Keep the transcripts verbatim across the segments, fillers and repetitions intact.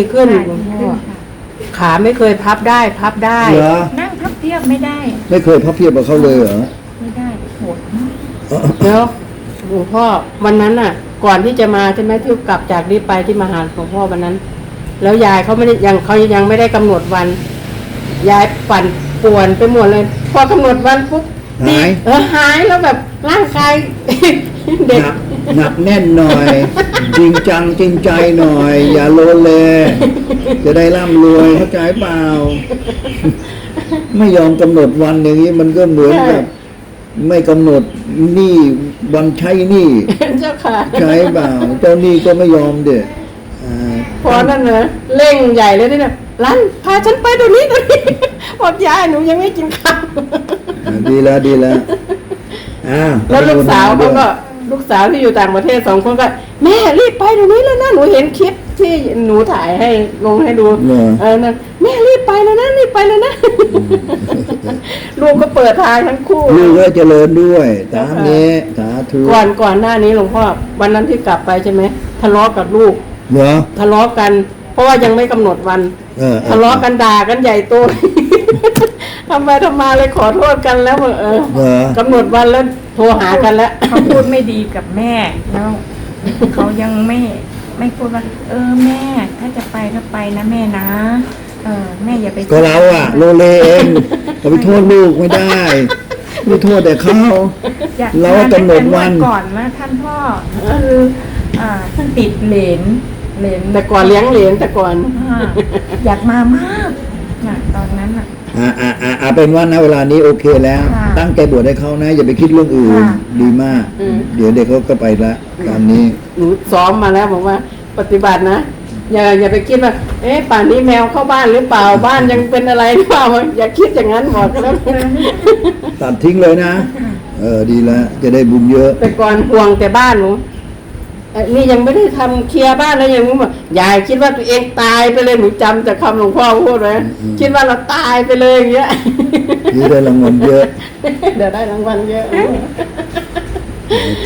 ขึ้นค่ะหลวงดีพ่อขึ้นค่ะขาไม่เคยพับได้พับได้เหรอนั่งพับเพียบไม่ได้ไม่เคยพับเพียบกับเขาเลยเหรอไม่ได้ปวดมากแล้วหลวงพ่อวันนั้นน่ะ ก่อนที่จะมาใช่ไหมที่กลับจากนี้ไปที่มาหาหลวงพ่อวันนั้น แล้วยายเขาไม่ได้ยังเขายังไม่ได้กำหนดวัน ยายปั่นป่วนไปหมดเลย พอกำหนดวันปุ๊บหายเออหายแล้วแบบร่างกาย เด็กหนักหนักแน่นหน่อย จริงจังจริงใจหน่อย อย่าโลเล จะได้ร่ำรวยเข้าใจเปล่า ไม่ยอมกำหนดวันอย่างนี้มันก็เหมือนกับไม่กำหนดหนี้วันใช้หนี้เจ้าค่ะใช้เปล่า เจ้าหนี้ก็ไม่ยอมเด็ดอ่าพอนั่นนะเร่งใหญ่เลยนี่นะรันพาฉันไปเดี๋ยวนี้เดี๋ยวนี้บอกยายหนูยังไม่กินข้าวอ่าดีแล้วดีแล้วอ้าวแล้วลูกสาวเขาก็ลูกสาวที่อยู่ต่างประเทศสองคนก็แม่รีบไปเดี๋ยวนี้แล้วนะหนูเห็นคลิปที่หนูถ่ายให้ลงให้ดูเหรอเออนั่นแม่รีบไปแล้วนะรีบไปแล้วนะลูกก็เปิดทางทั้งคู่ลูกก็เจริญด้วยตามนี้สาธุก่อนก่อนหน้านี้หลวงพ่อวันนั้นที่กลับไปใช่ไหมทะเลาะกับลูกเหรอทะเลาะกัน เพราะว่ายังไม่กำหนดวันเออเออทะเลาะกันด่ากันใหญ่โต ทำไปทำมาเลยขอโทษกันแล้วบอกเออเหรอกำหนดวันแล้วโทรหากันแล้วเขาพูดไม่ดีกับแม่แล้วเขายังไม่ไม่พูดว่า เออแม่ ถ้าจะไปก็ไปนะแม่นะ เออแม่อย่าไปก็เราอะโลเลเองจะไปโทษลูกไม่ได้ไม่โทษแต่เขาอยากเรากำหนดวันตั้งแต่ก่อนนะท่านพ่อคืออ่าติดเหรนเหรนแต่ก่อนเลี้ยงเหรียญแต่ก่อนอ่าอยากมามากนะตอนนั้นอ่ะอ่าอ่าอ่าอ่าเป็นว่าณเวลานี้โอเคแล้วค่ะตั้งใจบวชให้เขานะ อย่าไปคิดเรื่องอื่นค่ะดีมากอืมเดี๋ยวเด็กเขาก็ไปละตามนี้หนูซ้อมมาแล้วบอกว่า ปฏิบัตินะอย่าอย่าไปคิดว่า เอ๊ะป่านนี้แมวเข้าบ้านหรือเปล่าบ้านยังเป็นอะไรหรือเปล่าอย่าคิดอย่างนั้นบอกแล้วตัดทิ้งเลยนะ เออดีแล้วจะได้บุญเยอะแต่ก่อนห่วงแต่บ้านหนูเอ้ยนี่ยังไม่ได้ทำเคลียร์บ้านแล้วยังบอกยายคิดว่าตัวเองตายไปเลยหนูจำจากคำหลวงพ่อพูดไว้คิดว่าเราตายไปเลยอย่างเงี้ยนี่ได้รางวัลเยอะเดี๋ยวได้รางวัลเยอะโอเค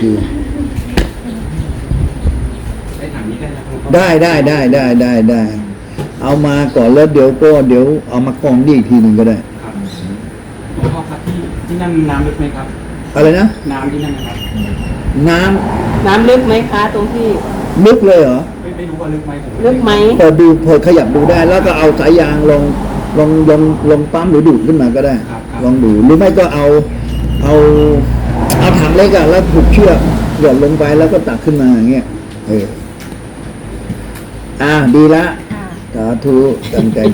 ได้ถังนี้ได้แล้วครับได้ได้ได้ได้ได้ได้ เอามาก่อนแล้วเดี๋ยวก็เดี๋ยวเอามากองดีอีกทีหนึ่งก็ได้ครับหลวงพ่อครับที่ที่นั่นน้ำลึกไหมครับอะไรนะน้ำที่นั่นนะครับน้ำน้ำลึกไหมคะตรงที่ลึกเลยเหรอไม่ไม่รู้ว่าลึกไหมผมลึกไหมเปิดดูเปิดขยับดูได้ แล้วก็เอาสายยางลงลงลงลงปั๊มหรือดูดขึ้นมาก็ได้ครับครับลองดูหรือไม่ก็เอาเอาเอาถังเล็กอะแล้วผูกเชือกหย่อนลงไปแล้วก็ตักขึ้นมาอย่างเงี้ยเอออ่าดีละค่ะสาธุตั้งใจ